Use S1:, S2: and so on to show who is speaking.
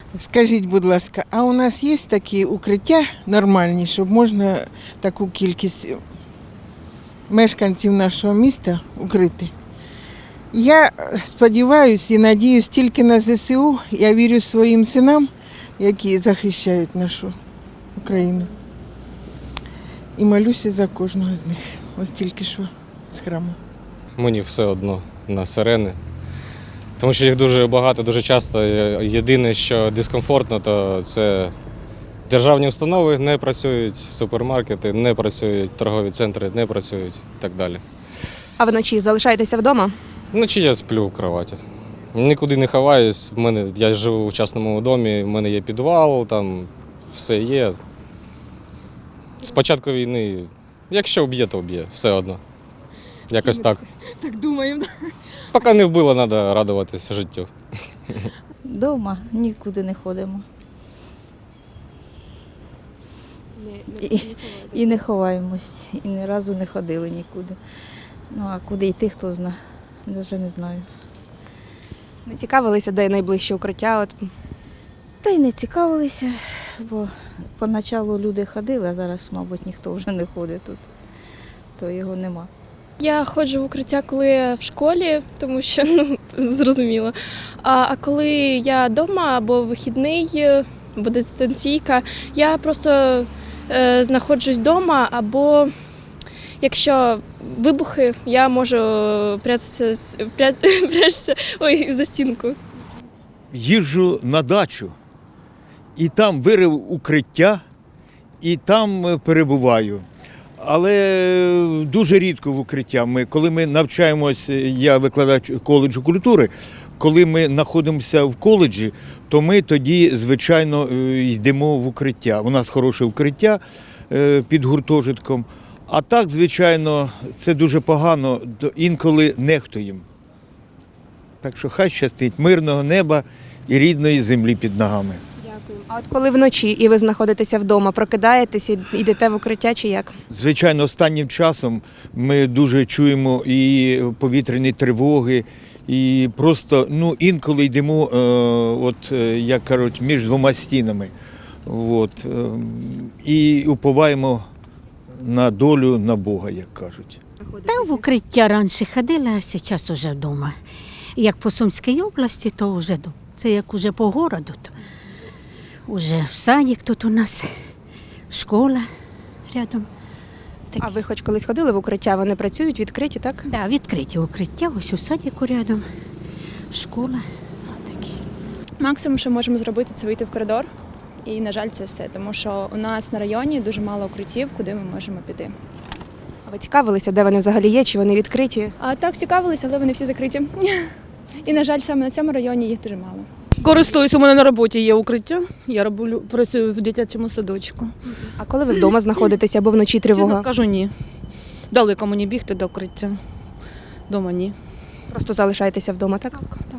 S1: Скажіть, будь ласка, а у нас є такі укриття нормальні, щоб можна таку кількість мешканців нашого міста укрити? Я сподіваюся і надіюсь тільки на ЗСУ. Я вірю своїм синам, які захищають нашу Україну. І молюся за кожного з них. Ось тільки що з храму.
S2: Мені все одно на сирени. Тому що їх дуже багато, дуже часто. Єдине, що дискомфортно, то це державні установи не працюють, супермаркети не працюють, торгові центри не працюють і так далі.
S3: А вночі залишаєтеся вдома?
S2: Вночі я сплю в кроваті. Нікуди не ховаюсь. Я живу в частному домі, в мене є підвал, там все є. З початку війни, якщо вб'є, то вб'є, все одно. Якось так.
S3: Так думаємо.
S2: Поки не вбило, треба радуватися життю.
S4: Дома нікуди не ходимо. І не ховаємось. І ні разу не ходили нікуди. Ну а куди йти, хто знає. Навіть не знаю.
S3: Не цікавилися, де найближче укриття?
S4: Та й не цікавилися, бо поначалу люди ходили, а зараз, мабуть, ніхто вже не ходить тут, то його нема.
S5: Я ходжу в укриття, коли я в школі, тому що, зрозуміло. А коли я вдома або вихідний, або дистанційка, я просто знаходжусь вдома, або якщо вибухи, я можу прятатися за стінку.
S6: Їжджу на дачу, і там вирив укриття, і там перебуваю. Але дуже рідко в укриття. Коли ми навчаємось, я викладач коледжу культури, коли ми знаходимося в коледжі, то ми тоді, звичайно, йдемо в укриття. У нас хороше укриття під гуртожитком. А так, звичайно, це дуже погано, інколи нехтуємо. Так що хай щастить мирного неба і рідної землі під ногами.
S3: Дякую. А от коли вночі і ви знаходитеся вдома, прокидаєтесь і йдете в укриття чи як?
S6: Звичайно, останнім часом ми дуже чуємо і повітряні тривоги, і просто інколи йдемо, як кажуть, між двома стінами. І уповаємо на долю, на Бога, як кажуть.
S7: Та в укриття раніше ходила, а зараз вже вдома. Як по Сумській області, то вже вдома. Це як уже по городу. То уже в садик тут у нас, школа рядом.
S3: А ви хоч колись ходили в укриття? Вони працюють, відкриті, так?
S7: Да, відкриті укриття, ось у садику рядом, школа. Такі.
S8: Максимум, що можемо зробити, це вийти в коридор. І, на жаль, це все, тому що у нас на районі дуже мало укриттів, куди ми можемо піти.
S3: А ви цікавилися, де вони взагалі є, чи вони відкриті?
S8: А так, цікавилися, але вони всі закриті. І, на жаль, саме на цьому районі їх дуже мало.
S9: Користуюсь, у мене на роботі є укриття. Я працюю в дитячому садочку.
S3: А коли ви вдома знаходитеся або вночі
S9: Чесно
S3: тривога?
S9: скажу, ні. Далеко мені бігти до укриття. Дома ні.
S3: Просто залишаєтеся вдома, так?
S9: Так.